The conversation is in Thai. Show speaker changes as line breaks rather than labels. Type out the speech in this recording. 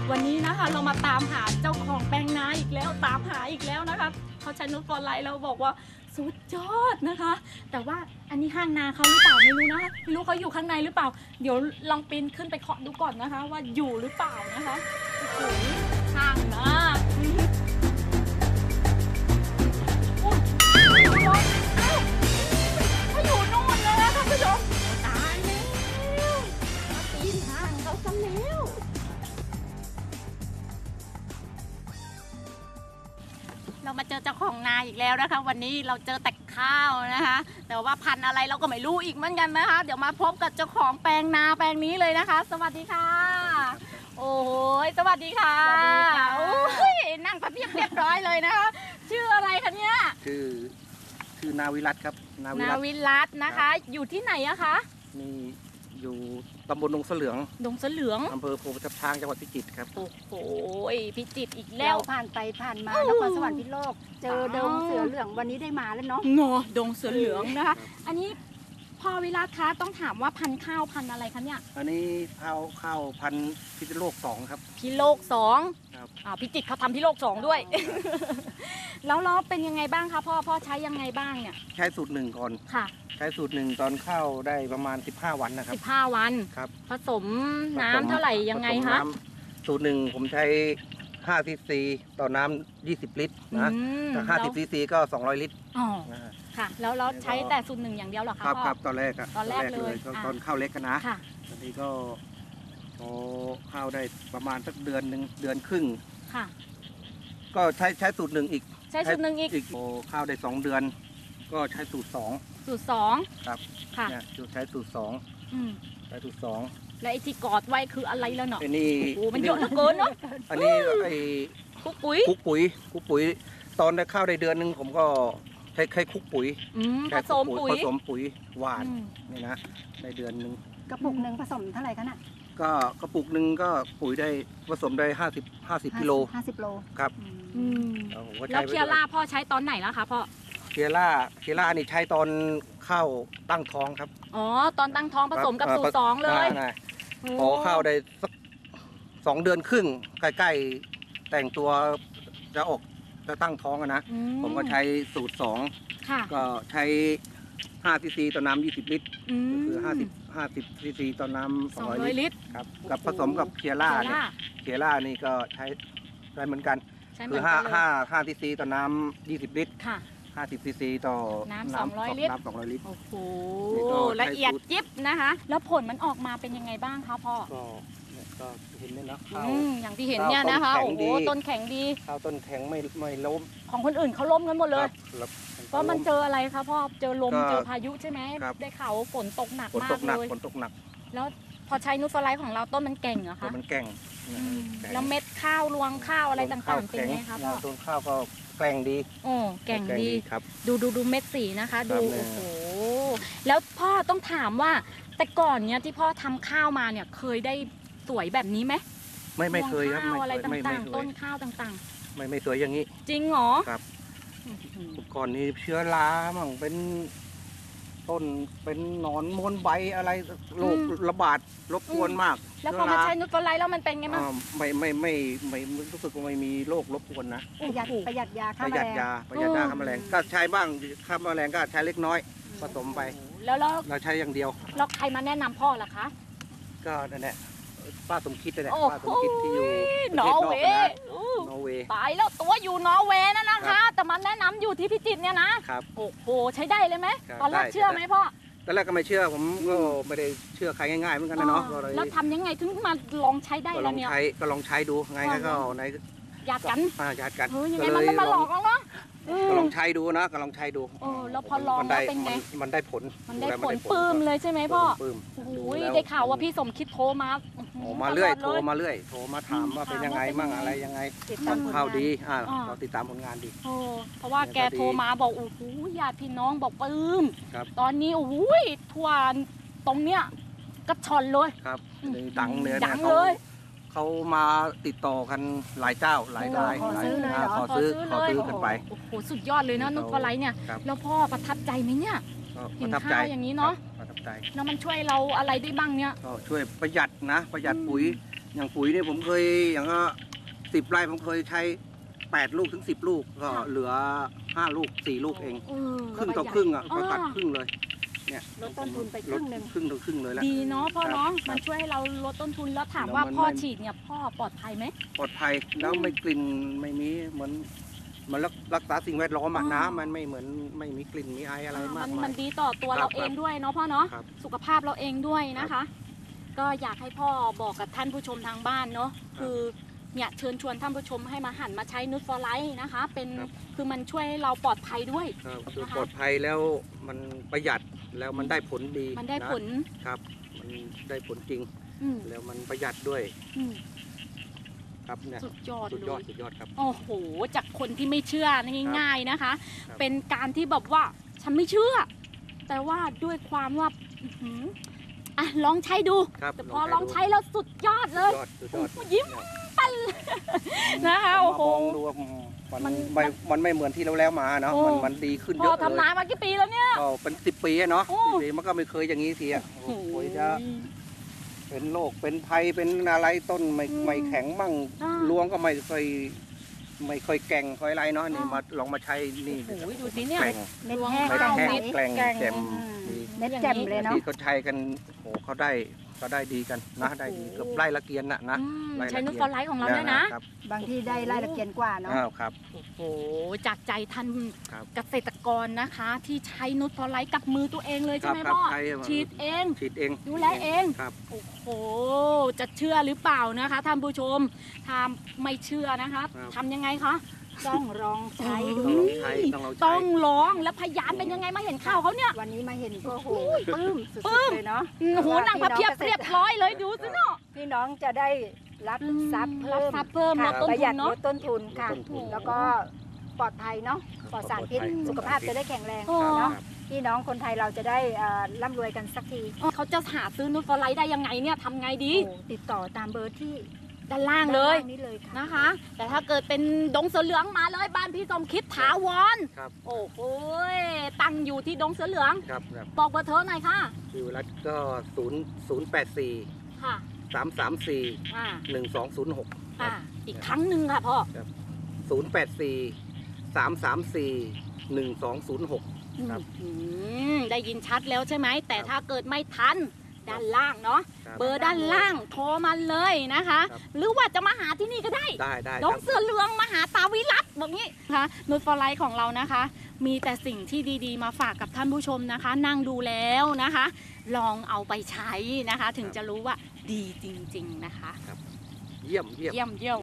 วันนี้นะคะเรามาตามหาเจ้าของแปลงนาอีกแล้วตามหาอีกแล้วนะคะเขาใช้นุชฟอร์ไลท์เราบอกว่าสุดยอดนะคะ แต่ว่าอันนี้ห้างนาเขาหรือเปล่าไม่รู้นะคะไม่รู้เขาอยู่ข้างในหรือเปล่าเดี๋ยวลองปีนขึ้นไปเคาะดูก่อนนะคะ ว่าอยู่หรือเปล่านะคะโอ้โหห้างนาเขาอยู่นู่นเลยนะท่านผู้ชมตายแล้วมาปีนห้างเขาซะแล้วเรามาเจอเจ้าของนาอีกแล้วนะคะวันนี้เราเจอแต่ข้าวนะคะแต่ว่าพันธุ์อะไรเราก็ไม่รู้อีกเหมือนกันนะคะเดี๋ยวมาพบกับเจ้าของแปลงนาแปลงนี้เลยนะคะสวัสดีค่ะโอ้ยสวัสดีค่ะโอ้ยนั่งพับเพียบเรียบร้อยเลยนะคะชื่ออะไรคะเนี่ย
ชื่อนาวิรัตครับ
นาวิรัตนะคะอยู่ที่ไหนอะคะ
นี่อยู่ตำบลดงเสลืองอำเภอโพธิ์ทับช้างจังหวัดพิจิตรครับ
โอ้โหพิจิตรอีกแล้ว
ผ่านไปผ่านมานครสวรรค์พิษณุโลกเจอดงเสือเหลืองวันนี้ได้มาแล้วเนาะ
ดงเสือเหลืองนะคะอันนี้พ่อวิรัตคะต้องถามว่าพันธุ์ข้าวพันธุ์อะไรคะเนี่ย
อันนี้ข้าวพันธุ์พิษณุโลก2ครับ
พิโลก2ครับพิจิตรเขาทำพิโลก2ด้วยแล้วเป็นยังไงบ้างคะพ่อใช้ยังไงบ้างเนี่ย
ใช้สูตร1ก่อนค่ะใช้สูตร1ตอนเข้าได้ประมาณ15วันนะครับ
15วัน
ครับ
ผสมน้ำเท่าไหร่ยังไงคะ
สูตร1ผมใช้5 ซีซีต่อน้ำ20 ลิตรนะถ้า50 ซีซีก็200 ลิตร
อ๋อค่ะแล้วใช้แต่สูตร1อย่างเดียวเหรอคะพ่อ
ครับตอนแรกเลยตอนเข้าเล็กกันนะตอนนี้ก็พอเข้าได้ประมาณสักเดือนครึ่งค่ะก็ใช้สูตร1อีก
ใช้สูตร1อีก
พอเข้าได้2 เดือนก็ใช้สูตร
2
ครับค่ะใช้สูตร2ใช้สูตร2
และไอ้ที่กอดไว้คืออะไรแล้วเนาะ
อันนี้
โอ้มันเยอะเหลือเกินเนาะ
อันนี้ไอ้
คุกปุ๋
ยตอนได้เข้าได้เดือนนึงผมก็ใช้คุกปุ๋ย
ผสม
ปุ๋ยหวานนี่นะในเดือนนึง
กระปุกหนึ่งผสมเท่าไหร่คะน่ะ
ก็กระปุกหนึ่งก็ปุ๋ยได้ผสมได้50 กิโล
50 โล
ครับ
แล้วเคียร่าพ่อใช้ตอนไหนแล้วคะพ่อ
เคียร่านี่ใช้ตอนเข้าตั้งท้องครับ
อ๋อตอนตั้งท้องผสมกับสูตร2เลย
พอเข้าได้สัก2 เดือนครึ่งใกล้ๆแต่งตัวจะตั้งท้องนะผมก็ใช้สูตร2ก็ใช้5 ซีซีต่อน้ำ20 ลิตรคือ50 ซีซีต่อน้ำ200 ลิตรครับกับผสมกับเคียร่านี่ก็ใช้ได้เหมือนกันคือ5 ซีซีต่อน้ำ20 ลิตร50 ซีซีต่อ
น้ำ200 ลิตรโอ้โหละเอียดยิบนะคะแล้วผลมันออกมาเป็นยังไงบ้างคะพ่อ
ก็เห็นเลยนะ
อย่างที่เห็นเนี่ยนะคะโอ้โหต้นแข็งดี
ข้าวต้นแข็งไม่ล้ม
ของคนอื่นเขาล้มกันหมดเลยเพราะมันเจออะไรคะพ่อเจอลมเจอพายุใช่ไหมได้ข่าวฝนตกหนักมากเลย
ฝนตกหนัก
แล้วพอใช้นูตฟอร์ไลท์ของเราต้นมันแก่งเหรอคะ
มันแก่ง
แล้วเม็ดข้าวรวงข้าวอะไรต่างๆเป็นไงคะพ่อ
ต้นข้าวก็แกร่งดี
แก่งดี
ครับ
ดูเม็ดสีนะคะดูโอ้โหแล้วพ่อต้องถามว่าแต่ก่อนเนี้ยที่พ่อทำข้าวมาเนี่ยเคยได้สวยแบบนี้ไหม
ไม่เคยครับ
ข้าวอะไรต่างๆต้นข้าวต่าง
ๆไม่สวยอย่างนี้
จริงเหรอ
ครับก่อนนี้เชื้อรามั่งเป็นต้นเป็นหนอนม้วนใบอะไรโรคระบาดรบกวนมาก
แล้วพอมาใช้นูตฟอร์ไลท์แล้วมันเป็นไงบ้าง
ไม่รู้สึกว่าไม่มีโรครบกวนนะ
ประหยัดยาฆ่าแมลง
ฆ่าแมลงก็ใช้บ้างฆ่าแมลงก็ใช้เล็กน้อยผสมไป
แล้ว
เราใช้อย่างเดียว
แล้วใครมาแนะนำพ่อล่ะคะ
ก็นั่นแหละป้าสมคิดนั่นแหละป้าสมคิดที่อยู่
นอร์เวย์ตายแล้วตัวอยู่นอร์เวย์นะคะแต่มันแนะนำอยู่ที่พิจิตรเนี่ยนะครับโอ้โหใช้ได้เลยไหมตอนแรกเชื่อไหมพ่อ
ตอนแรกก็ไม่เชื่อผมก็ไม่ได้เชื่อใครง่ายๆเหมือนกันนะเนาะ
แล้วทำยังไงถึงมาลองใช้ได้แล้วเนี่ย
ก็ลองใช้ดูไงก็ใน
ญาติกัน
ยังไง
มันมาหลอกเราเนาะ
ก็ลองใช้ดูนะก็ลองใช้ดู
แล้วพอลองแล้วเป็นไง
มันได้ผล
ปลื้มเลยใช่ไหมพ่อโอ้ยได้ข่าวว่าพี่สมคิดโทรมา
เรื่อยโทรมาถามว่าเป็นยังไงมั่งอะไรยังไงข่าวดีเราติดตามผลงานดี
เพราะว่าแกโทรมาบอกโอ้โหญาติพี่น้องบอกปลื้มตอนนี้โอ้ยทัวร์ตรงเนี้ยกระชอนเลย
ครับดังเลยเขามาติดต่อกันหลายเจ้าหลายรายขอซื้อกันไป
โอ้โหสุดยอดเลยนะนูตฟอร์ไลท์เนี่ยแล้วพ่อประทับใจไหมเนี่ยเห็นข้าวอย่างนี้เนาะ
ประทับใจ
แล้วมันช่วยเราอะไรได้บ้างเนี่ย
ก็ช่วยประหยัดปุ๋ยอย่างปุ๋ยเนี่ยผมเคยอย่างก็10 ไร่ผมเคยใช้8 ลูกถึง 10 ลูกก็เหลือ5 ลูก 4 ลูกเอง ครึ่งต่อครึ่งอ่ะก็ตัดครึ่งเลยเนี่ย
ลดต้นทุนไปครึ่งหนึ่ง
ครึ่งต่อครึ่งเลยแล้ว
ดีเนาะพ่อเนาะ
ครับ
มันช่วยให้เราลดต้นทุนแล้วถาม
แล้ว
ว่า
มัน
พ่อ
ไม่
ฉีดเนี่ยพ่อปลอดภัยไหม
ปลอดภัยแล้วไม่กลิ่นไม่มีเหมือนมันรักษาสิ่งแวดล้อมอะ
อ๋อ
น้ำมันไม่เหมือนไม่มีกลิ่นมีไออะไรมาก
มัน
มาย
ดีต่อตัว
ครับ
เราเองด้วยเนาะพ่อเนาะ
ครับ
สุขภาพเราเองด้วยนะคะ ก็อยากให้พ่อบอกกับท่านผู้ชมทางบ้านเนาะคือเนี่ยเชิญชวนท่านผู้ชมให้มาหันมาใช้นูตฟอร์ไลท์นะคะเป็นคือมันช่วยให้เราปลอดภัยด้วย
ครับคือ
นะคะ
ปลอดภัยแล้วมันประหยัดแล้วมันได้ผลดี
มันได้ผล
นะครับมันได้ผลจริง
อืม
แล้วมันประหยัดด้วย
อืม
ครับเนี่ย
สุดยอด
สุด
เลย
อดสุดยอดครับ
โอ้โหจากคนที่ไม่เชื่อง่าย ๆนะคะ
ครับ
เป็นการที่แบบว่าฉันไม่เชื่อ แต่ว่าด้วยความว่าอื้อหืออ่ะลองใช้ดู
ครับ
แต่พอลองใช้แล้วสุดยอดเลย
สุดยอด
ยิ้ม นะคะ
ผม
โอ้โห
มองดูว่ามันไม่เหมือนที่เราแล้วมาเนาะ
โอ้
มันดีขึ้น
พ
เย
อ
อะเลย
ทำนามากี่ปีแล้วเนี่ย
ก็เป็น10 ปีอะเนาะ
โอ้
10 ปีมันก็ไม่เคยอย่างนี้ทีอะ
โอ้โห
โอ้ยจะเป็นโรคเป็นภัยเป็นอะไรต้นไม่แข็งมั่ง
อ่า
รวงก็ไม่ค่อยแกร่งค่อยไรเนาะนี่
อ่าม
มาลองมาใช้นี่
โอ้โหดูสิเนี่ย
แกร่ง
เม็ดแห้ง
ไม่
แกร่ง
แห้
ใส
งแกร่ง
แกร่ง
แจ่ม
อืม
ดี
เม็ดแจ่มเลยเนาะ
ที่เขาใช้กันโอ้เขาได้ดีกันนะได้ดี
โอ้โห
เกือบไล่ละเกียนนะ
อืม
ไล่ละ
ใช้นูต
เกีย
ฟอร์ไลท์ของเราด้วยนะ
ครับ
บางที่ได้ไล่ละเกียนกว่าเนาะ
อ้าวครับ
โอ้โหจากใจท่าน
ครับ
เกษตรกรนะคะ ที่ใช้นูตฟอร์ไลท์กับมือตัวเองเลยใช่ไหม
ครับ
พ่อ
ใช้
ฉีดเอง
ฉีดเอง
ดูแลเอง
ครับ
โอ้โห จะเชื่อหรือเปล่านะคะท่านผู้ชม ถ้าไม่เชื่อนะคะ
ครับ
ทำยังไงคะ
ต้องลองใช้ดู
ต้องลองใช้ต้องลองใช้
ต้องลองแล้วพยานเป็นยังไงมาเห็นข่าวเขาเนี่ย
วันนี้มาเห็นก็โหปลื้มสุ
ปลื้
ด
ม
ๆเลยเนาะ
โอ้โหหนังพระเพียบเรียบร้อยเลยดูสิเนาะ
พี่น้องจะได้รับทรัพย์
รั
เพิ่
บ
ม
ทรัพย์เพิ่มล
ค่ะ
ดต้น
ประห
ทุ
ยั
น
ด
เนาะ
ลดต้นทุนค่ะ
ลดต้นทุน
แล้วก็ปลอดภัยเนาะปลอดสารพิษ
ปลอดภัย
สุขภาพจะได้แข็งแรง
โอ้
เนาะ
ครับ
พี่น้องคนไทยเราจะได้ร่ำรวยกันสักที
เขาจะหาซื้อนูตฟอร์ไลท์ได้ยังไงเนี่ยทำไงดี
โอ้ติดต่อตามเบอร์ที่
ด้านล่างเลย
ด้านนี้เลยค่ะ
นะคะ แต่ถ้าเกิดเป็นดงเสือเหลืองมาเลยบ้านพี่สมคิดถาวร
ครับ
โอ้โหตั้งอยู่ที่ดงเสือเหลือง
ครับครับ
บอกเบอร์โทรหน่อยค่ะ
ชื่อรัฐก็084
ค่ะ
334
อ่า
1206
อ่าอีกครั้งหนึ่งค่ะพ่อ
084 334 1206 ครับ
ได้ยินชัดแล้วใช่ไหม แต่ถ้าเกิดไม่ทันด้านล่างเนาะ
ครับ
เบอร์ด้านล่างโทรมาเลยนะคะ
ครับ
หรือว่าจะมาหาที่นี่ก็ได้
ได้
ด
ค
ง
รับ
เสือเหลืองมาหาตาวิรัตบอกงี้นะคะนูตฟอร์ไลท์ของเรานะคะ มีแต่สิ่งที่ดีๆ มาฝากกับท่านผู้ชมนะคะ นั่งดูแล้วนะคะ ลองเอาไปใช้นะคะ ถึงจะรู้ว่าดีจริง ๆนะคะ
เยี่ยม
เยี่ยม